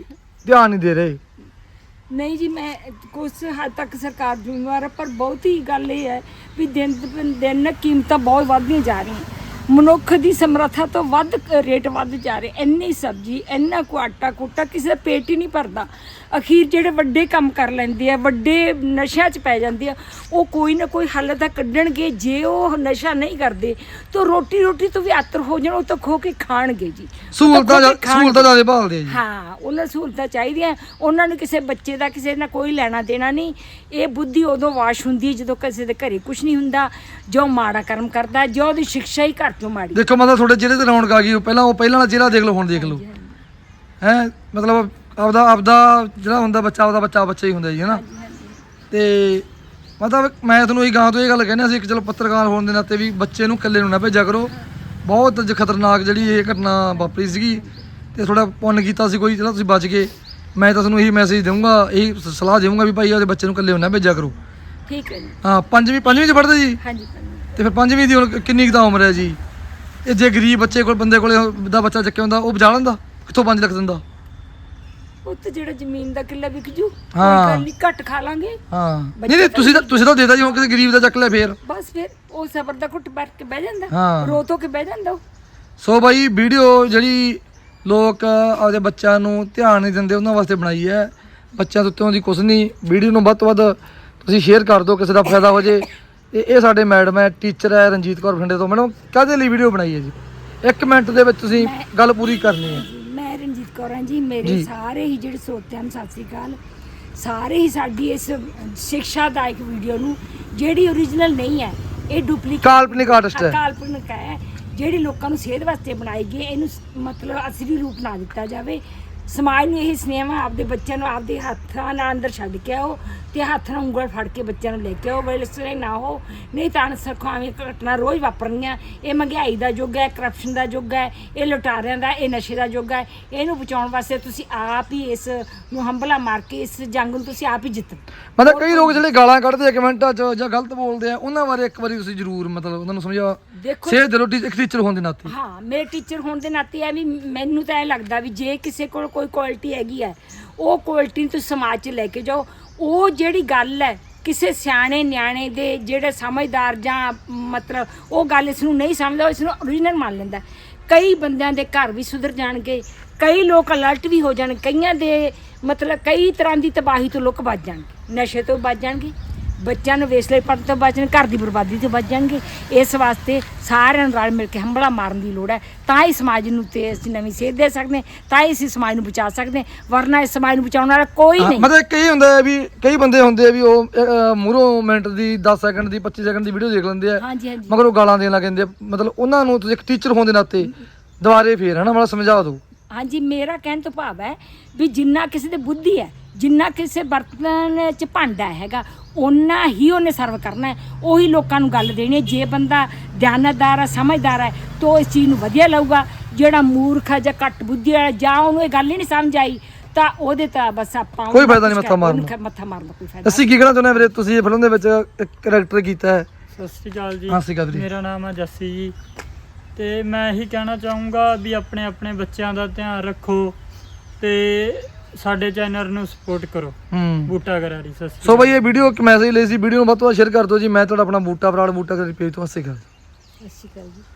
[SPEAKER 2] ਧਿਆਨ ਨਹੀਂ ਦੇ ਰਹੇ।
[SPEAKER 1] ਨਹੀਂ ਜੀ, ਮੈਂ ਕੁਛ ਹੱਦ ਤੱਕ ਸਰਕਾਰ ਜ਼ਿੰਮੇਵਾਰ ਹੈ, ਪਰ ਬਹੁਤੀ ਗੱਲ ਇਹ ਹੈ ਵੀ ਦਿਨ ਬ ਦਿਨ ਕੀਮਤਾਂ ਬਹੁਤ ਵੱਧਦੀਆਂ ਜਾ ਰਹੀਆਂ। ਮਨੁੱਖ ਦੀ ਸਮਰੱਥਾ ਤੋਂ ਵੱਧ ਰੇਟ ਵੱਧ ਜਾ ਰਹੇ। ਇੰਨੀ ਸਬਜ਼ੀ, ਇੰਨਾ ਕੁ ਆਟਾ ਕੂਟਾ, ਕਿਸੇ ਦਾ ਪੇਟ ਹੀ ਨਹੀਂ ਭਰਦਾ। ਅਖੀਰ ਜਿਹੜੇ ਵੱਡੇ ਕੰਮ ਕਰ ਲੈਂਦੇ ਆ, ਵੱਡੇ ਨਸ਼ਿਆਂ 'ਚ ਪੈ ਜਾਂਦੇ ਆ, ਉਹ ਕੋਈ ਨਾ ਕੋਈ ਹੱਲ ਤਾਂ ਕੱਢਣਗੇ। ਜੇ ਉਹ ਨਸ਼ਾ ਨਹੀਂ ਕਰਦੇ ਤਾਂ ਰੋਟੀ ਰੋਟੀ ਤੋਂ ਵੀ ਆਤਰ ਹੋ ਜਾਣ, ਉਹ ਤਾਂ ਖੋ ਕੇ ਖਾਣਗੇ ਜੀ।
[SPEAKER 2] ਸਹੂਲਤਾਂ ਸਹੂਲਤਾਂ ਜ਼ਿਆਦਾ ਭਾਲਦੇ ਆ ਜੀ।
[SPEAKER 1] ਹਾਂ, ਉਹਨਾਂ ਸਹੂਲਤਾਂ ਚਾਹੀਦੀਆਂ। ਉਹਨਾਂ ਨੂੰ ਕਿਸੇ ਬੱਚੇ ਦਾ ਕਿਸੇ ਨਾਲ ਕੋਈ ਲੈਣਾ ਦੇਣਾ ਨਹੀਂ। ਇਹ ਬੁੱਧੀ ਉਦੋਂ ਵਾਸ਼ ਹੁੰਦੀ ਹੈ ਜਦੋਂ ਕਿਸੇ ਦੇ ਘਰੇ ਕੁਝ ਨਹੀਂ ਹੁੰਦਾ, ਜੋ ਮਾੜਾ ਕਰਮ ਕਰਦਾ, ਜੋ ਉਹਦੀ ਸਿੱਖਿਆ ਹੀ ਘਰ ਤੋਂ ਮਾੜੀ।
[SPEAKER 2] ਦੇਖੋ ਮਤਲਬ ਤੁਹਾਡੇ ਚਿਹਰੇ ਤੇ ਰੌਣਕ ਆ ਗਈ। ਪਹਿਲਾਂ ਉਹ ਪਹਿਲਾਂ ਵਾਲਾ ਚਿਹਰਾ ਦੇਖ ਲਓ, ਹੁਣ ਦੇਖ ਲਓ ਹੈ। ਮਤਲਬ ਆਪਦਾ ਆਪਦਾ ਜਿਹੜਾ ਹੁੰਦਾ ਬੱਚਾ, ਉਹਦਾ ਬੱਚਾ ਬੱਚਾ ਹੀ ਹੁੰਦਾ ਜੀ, ਹੈ ਨਾ। ਤੇ ਮਤਲਬ ਮੈਂ ਤੁਹਾਨੂੰ ਇਹ ਗਾਂ ਤੋਂ ਇਹ ਗੱਲ ਕਹਿੰਦਾ ਸੀ ਕਿ ਚਲੋ ਪੱਤਰਕਾਰ ਹੋਣ ਦੇ ਨਾਤੇ ਵੀ ਬੱਚੇ ਨੂੰ ਇਕੱਲੇ ਨੂੰ ਨਾ ਭੇਜਿਆ ਕਰੋ। ਬਹੁਤ ਜ ਖਤਰਨਾਕ ਜਿਹੜੀ ਇਹ ਘਟਨਾ ਵਾਪਰੀ ਸੀਗੀ, ਤੇ ਥੋੜਾ ਪੁੰਨ ਕੀਤਾ ਸੀ ਕੋਈ, ਜਿਹੜਾ ਤੁਸੀਂ ਬਚ ਗਏ। ਮੈਂ ਤਾਂ ਤੁਹਾਨੂੰ ਇਹੀ ਮੈਸੇਜ ਦਊਂਗਾ, ਇਹੀ ਸਲਾਹ ਦੇਵਾਂਗਾ ਵੀ ਭਾਈ ਉਹਦੇ ਬੱਚੇ ਨੂੰ ਇਕੱਲੇ ਨੂੰ ਨਾ ਭੇਜਿਆ ਕਰੋ।
[SPEAKER 1] ਠੀਕ ਹੈ ਜੀ।
[SPEAKER 2] ਹਾਂ, ਪੰਜਵੀਂ ਪੰਜਵੀਂ 'ਚ ਪੜ੍ਹਦੇ ਜੀ?
[SPEAKER 1] ਹਾਂਜੀ।
[SPEAKER 2] ਤੇ ਫਿਰ ਪੰਜਵੀਂ ਦੀ ਹੁਣ ਕਿੰਨੀ ਕੁ ਤਾਂ ਉਮਰ ਹੈ ਜੀ? ਇਹ ਜੇ ਗਰੀਬ ਬੱਚੇ ਕੋਲ ਬੰਦੇ ਕੋਲੇ ਦਾ ਬੱਚਾ ਚੱਕਿਆ ਹੁੰਦਾ, ਉਹ ਬਚਾ ਲੈਂਦਾ? ਕਿੱਥੋਂ ਪੰਜ ਲੱਖ ਦਿੰਦਾ?
[SPEAKER 1] ਉਹ ਤਾਂ ਜਿਹੜਾ ਜ਼ਮੀਨ ਦਾ ਕਿੱਲਾ ਵਿਕ ਜੂ,
[SPEAKER 2] ਹਾਂ।
[SPEAKER 1] ਕੋਈ ਗੱਲ ਨਹੀਂ, ਘੱਟ ਖਾ ਲਾਂਗੇ।
[SPEAKER 2] ਹਾਂ, ਨਹੀਂ ਨਹੀਂ ਤੁਸੀਂ ਤਾਂ ਤੁਸੀਂ ਤਾਂ ਦੇਦਾ ਜੀ, ਹੁਣ ਕਿਸੇ ਗਰੀਬ ਦਾ ਚੱਕ ਲਿਆ ਫੇਰ
[SPEAKER 1] ਬਸ ਫਿਰ ਉਹ ਸਬਰ ਦਾ ਘੁੱਟ ਭਰ ਕੇ ਬਹਿ ਜਾਂਦਾ,
[SPEAKER 2] ਹਾਂ।
[SPEAKER 1] ਰੋ ਧੋ ਕੇ ਬਹਿ ਜਾਂਦਾ ਉਹ।
[SPEAKER 2] ਸੋ ਬਾਈ, ਵੀਡੀਓ ਜਿਹੜੀ ਲੋਕ ਆਪਦੇ ਬੱਚਿਆਂ ਨੂੰ ਧਿਆਨ ਨਹੀਂ ਦਿੰਦੇ, ਉਹਨਾਂ ਵਾਸਤੇ ਬਣਾਈ ਹੈ। ਬੱਚਿਆਂ ਦੇ ਉੱਤੇ ਉਹਦੀ ਕੁਛ ਨਹੀਂ। ਵੀਡੀਓ ਨੂੰ ਵੱਧ ਤੋਂ ਵੱਧ ਤੁਸੀਂ ਸ਼ੇਅਰ ਕਰ ਦਿਓ, ਕਿਸੇ ਦਾ ਫਾਇਦਾ ਹੋ ਜੇ। ਤੇ ਇਹ ਸਾਡੇ ਮੈਡਮ ਹੈ, ਟੀਚਰ ਹੈ, ਰਣਜੀਤ ਕੌਰ ਬਠਿੰਡੇ ਤੋਂ। ਮੈਡਮ ਕਾਹਦੇ ਲਈ ਵੀਡੀਓ ਬਣਾਈ ਹੈ ਜੀ? ਇੱਕ ਮਿੰਟ ਦੇ ਵਿੱਚ ਤੁਸੀਂ ਗੱਲ ਪੂਰੀ ਕਰਨੀ ਹੈ।
[SPEAKER 1] ਮੈਂ ਰਣਜੀਤ ਕੌਰ ਹਾਂ ਜੀ। ਮੇਰੇ ਸਾਰੇ ਹੀ ਜਿਹੜੇ ਸਰੋਤਿਆਂ ਨੂੰ ਸਤਿ ਸ੍ਰੀ ਅਕਾਲ। ਸਾਰੇ ਹੀ ਸਾਡੀ ਇਸ ਸਿੱਖਿਆਦਾਇਕ ਵੀਡੀਓ ਨੂੰ, ਜਿਹੜੀ ਓਰੀਜਨਲ ਨਹੀਂ ਹੈ, ਇਹ ਡੁਪਲੀਕੇਟ
[SPEAKER 2] ਕਾਲਪਨਿਕ ਆਰਟਿਸਟ ਹੈ,
[SPEAKER 1] ਕਾਲਪਨਿਕ ਹੈ, ਜਿਹੜੀ ਲੋਕਾਂ ਨੂੰ ਸੇਧ ਵਾਸਤੇ ਬਣਾਈ ਗਈ, ਇਹਨੂੰ ਮਤਲਬ ਅਸਲੀ ਰੂਪ ਨਾ ਦਿੱਤਾ ਜਾਵੇ। ਸਮਾਜ ਨੂੰ ਇਹ ਸੁਨੇਹਾ, ਆਪਦੇ ਬੱਚਿਆਂ ਨੂੰ ਆਪਦੇ ਹੱਥਾਂ ਨਾਲ ਅੰਦਰ ਛੱਡ ਕੇ ਆਓ, ਤੇ ਹੱਥ ਨਾਲ ਉਂਗਲ ਫੜ ਕੇ ਬੱਚਿਆਂ ਨੂੰ ਲੈ ਕੇ ਆਓ। ਵੇਲੇ ਨਾ ਹੋ, ਨਹੀਂ ਤਾਂ ਅਣਸਖਾਵੀਂ ਘਟਨਾ ਰੋਜ਼ ਵਾਪਰਨੀਆਂ। ਇਹ ਮਹਿੰਗਾਈ ਦਾ ਯੁੱਗ ਹੈ, ਕਰਪਸ਼ਨ ਦਾ ਯੁੱਗ ਹੈ, ਇਹ ਲੁਟਾਰਿਆਂ ਦਾ, ਇਹ ਨਸ਼ੇ ਦਾ ਯੁੱਗ ਹੈ। ਇਹਨੂੰ ਬਚਾਉਣ ਵਾਸਤੇ ਤੁਸੀਂ ਆਪ ਹੀ ਇਸ ਨੂੰ ਹੰਭਲਾ ਮਾਰ ਕੇ ਇਸ ਜੰਗ ਨੂੰ ਤੁਸੀਂ ਆਪ ਹੀ ਜਿੱਤੋ।
[SPEAKER 2] ਮਤਲਬ ਕਈ ਲੋਕ ਜਿਹੜੇ ਗਾਲਾਂ ਕੱਢਦੇ ਆ ਕਮੈਂਟਾਂ 'ਚ ਜਾਂ ਗਲਤ ਬੋਲਦੇ ਆ, ਉਹਨਾਂ ਬਾਰੇ ਇੱਕ ਵਾਰੀ ਤੁਸੀਂ ਜ਼ਰੂਰ ਮਤਲਬ ਉਹਨਾਂ ਨੂੰ ਸਮਝਾ
[SPEAKER 1] ਦੇਖੋ।
[SPEAKER 2] ਸੇਧ ਦਿਓ ਇੱਕ ਟੀਚਰ ਹੋਣ ਦੇ ਨਾਤੇ।
[SPEAKER 1] ਹਾਂ, ਮੇਰੇ ਟੀਚਰ ਹੋਣ ਦੇ ਨਾਤੇ ਇਹ ਵੀ ਮੈਨੂੰ ਤਾਂ ਇਹ ਲੱਗਦਾ ਵੀ ਜੇ ਕਿਸੇ ਕੋਲ ਕੋਈ ਕੁਆਲਿਟੀ ਹੈਗੀ ਹੈ, ਉਹ ਕੁਆਲਿਟੀ ਨੂੰ ਤੁਸੀਂ ਸਮਾਜ 'ਚ ਲੈ ਕੇ ਜਾਓ। ਉਹ ਜਿਹੜੀ ਗੱਲ ਹੈ, ਕਿਸੇ ਸਿਆਣੇ ਨਿਆਣੇ ਦੇ ਜਿਹੜੇ ਸਮਝਦਾਰ ਜਾਂ ਮਤਲਬ ਉਹ ਗੱਲ ਇਸ ਨੂੰ ਨਹੀਂ ਸਮਝਦਾ, ਉਹ ਇਸ ਨੂੰ ਓਰੀਜਨਲ ਮੰਨ ਲੈਂਦਾ। ਕਈ ਬੰਦਿਆਂ ਦੇ ਘਰ ਵੀ ਸੁਧਰ ਜਾਣਗੇ, ਕਈ ਲੋਕ ਅਲਰਟ ਵੀ ਹੋ ਜਾਣ, ਕਈਆਂ ਦੇ ਮਤਲਬ ਕਈ ਤਰ੍ਹਾਂ ਦੀ ਤਬਾਹੀ ਤੋਂ ਲੋਕ ਬਚ ਜਾਣਗੇ, ਨਸ਼ੇ ਤੋਂ ਬਚ ਜਾਣਗੇ, ਬੱਚਿਆਂ ਨੂੰ ਵੇਸਲੇ ਪੜਨ ਤੋਂ ਬਚਣ, ਘਰ ਦੀ ਬਰਬਾਦੀ ਤੋਂ ਬਚ ਜਾਣਗੇ। ਇਸ ਵਾਸਤੇ ਸਾਰਿਆਂ ਨੂੰ ਰਲ ਮਿਲ ਕੇ ਹੰਭਲਾ ਮਾਰਨ ਦੀ ਲੋੜ ਹੈ। ਤਾਂ ਹੀ ਸਮਾਜ ਨੂੰ ਤੇ ਅਸੀਂ ਨਵੀਂ ਸੇਧ ਦੇ ਸਕਦੇ ਹਾਂ, ਤਾਂ ਹੀ ਅਸੀਂ ਸਮਾਜ ਨੂੰ ਬਚਾ ਸਕਦੇ ਹਾਂ, ਵਰਨਾ ਇਸ ਸਮਾਜ ਨੂੰ ਬਚਾਉਣ ਵਾਲਾ ਕੋਈ ਨਹੀਂ।
[SPEAKER 2] ਮਤਲਬ ਕਈ ਹੁੰਦਾ ਹੈ ਵੀ ਕਈ ਬੰਦੇ ਹੁੰਦੇ ਆ ਵੀ ਉਹ ਮੂਹਰੋਂ ਮਿੰਟ ਦੀ ਦਸ ਸੈਕਿੰਡ ਦੀ ਪੱਚੀ ਸੈਕਿੰਡ ਦੀ ਵੀਡੀਓ ਦੇਖ ਲੈਂਦੇ ਆ,
[SPEAKER 1] ਹਾਂਜੀ ਹਾਂਜੀ
[SPEAKER 2] ਮਗਰ ਉਹ ਗਾਲਾਂ ਦੇਣ ਲੱਗ ਜਾਂਦੇ ਆ। ਮਤਲਬ ਉਹਨਾਂ ਨੂੰ ਤੁਸੀਂ ਇੱਕ ਟੀਚਰ ਹੋਣ ਦੇ ਨਾਤੇ ਦੁਬਾਰੇ ਫੇਰ ਹੈ ਨਾ ਮਤਲਬ ਸਮਝਾ ਦਿਓ।
[SPEAKER 1] ਹਾਂਜੀ, ਮੇਰਾ ਕਹਿਣ ਤੋਂ ਭਾਵ ਹੈ ਵੀ ਜਿੰਨਾ ਕਿਸੇ ਦੇ ਬੁੱਧੀ ਹੈ, ਜਿੰਨਾ ਕਿਸੇ ਬਰਤਨ 'ਚ ਭਾਂਡਾ ਹੈਗਾ, ਓਨਾ ਹੀ ਉਹਨੇ ਸਰਵ ਕਰਨਾ ਹੈ, ਉਹੀ ਲੋਕਾਂ ਨੂੰ ਗੱਲ ਦੇਣੀ ਹੈ। ਜੇ ਬੰਦਾ ਦਿਆਨਤਦਾਰ ਹੈ, ਸਮਝਦਾਰ ਹੈ, ਤਾਂ ਇਸ ਚੀਜ਼ ਨੂੰ ਵਧੀਆ ਲਊਗਾ। ਜਿਹੜਾ ਮੂਰਖ ਹੈ ਜਾਂ ਘੱਟ ਬੁੱਧੀ ਹੈ, ਜਾਂ ਉਹਨੂੰ ਇਹ ਗੱਲ ਹੀ ਨਹੀਂ ਸਮਝ ਆਈ, ਤਾਂ ਉਹਦੇ ਤਾਂ ਬਸ ਆਪਾਂ
[SPEAKER 2] ਕੋਈ ਫਾਇਦਾ ਨਹੀਂ ਮੱਥਾ ਮਾਰਨ
[SPEAKER 1] ਦਾ। ਮੱਥਾ ਮਾਰਨ ਦਾ ਕੋਈ ਫਾਇਦਾ
[SPEAKER 2] ਅਸੀਂ ਕੀ ਕਹਿਣਾ ਚਾਹੁੰਦੇ ਵੀਰੇ? ਤੁਸੀਂ ਇਹ ਫਿਲਮ ਦੇ ਵਿੱਚ ਇੱਕ ਕਰੈਕਟਰ ਕੀਤਾ ਹੈ।
[SPEAKER 3] ਸਤਿ ਸ਼੍ਰੀ ਅਕਾਲ ਜੀ।
[SPEAKER 2] ਹਾਂ, ਸਤਿ ਸ਼੍ਰੀ ਅਕਾਲ ਵੀਰੇ।
[SPEAKER 3] ਮੇਰਾ ਨਾਮ ਹੈ ਜੱਸੀ ਜੀ, ਤੇ ਮੈਂ ਇਹੀ ਕਹਿਣਾ ਚਾਹੂੰਗਾ ਵੀ ਆਪਣੇ ਆਪਣੇ ਬੱਚਿਆਂ ਦਾ ਧਿਆਨ ਰੱਖੋ ਤੇ ਸਾਡੇ ਚੈਨਲ ਨੂੰ ਸਪੋਰਟ ਕਰੋ।
[SPEAKER 2] ਹੂੰ,
[SPEAKER 3] ਬੂਟਾ ਗਰਾਰੀ। ਸਤਿ ਸ਼੍ਰੀ
[SPEAKER 2] ਸੋ ਬਈ ਇਹ ਵੀਡੀਓ ਇੱਕ ਮੈਸੇਜ ਲਈ ਸੀ, ਵੀਡੀਓ ਨੂੰ ਵੱਧ ਤੋਂ ਵੱਧ ਸ਼ੇਅਰ ਕਰ ਦਿਓ ਜੀ। ਮੈਂ ਤੁਹਾਡਾ ਆਪਣਾ ਬੂਟਾ ਬਰਾੜ ਬੂਟਾ ਕਰੀ ਪੇਜ ਤੋਂ। ਸਤਿ ਸ਼੍ਰੀ ਅਕਾਲ।
[SPEAKER 1] ਸਤਿ ਸ਼੍ਰੀ ਅਕਾਲ ਜੀ।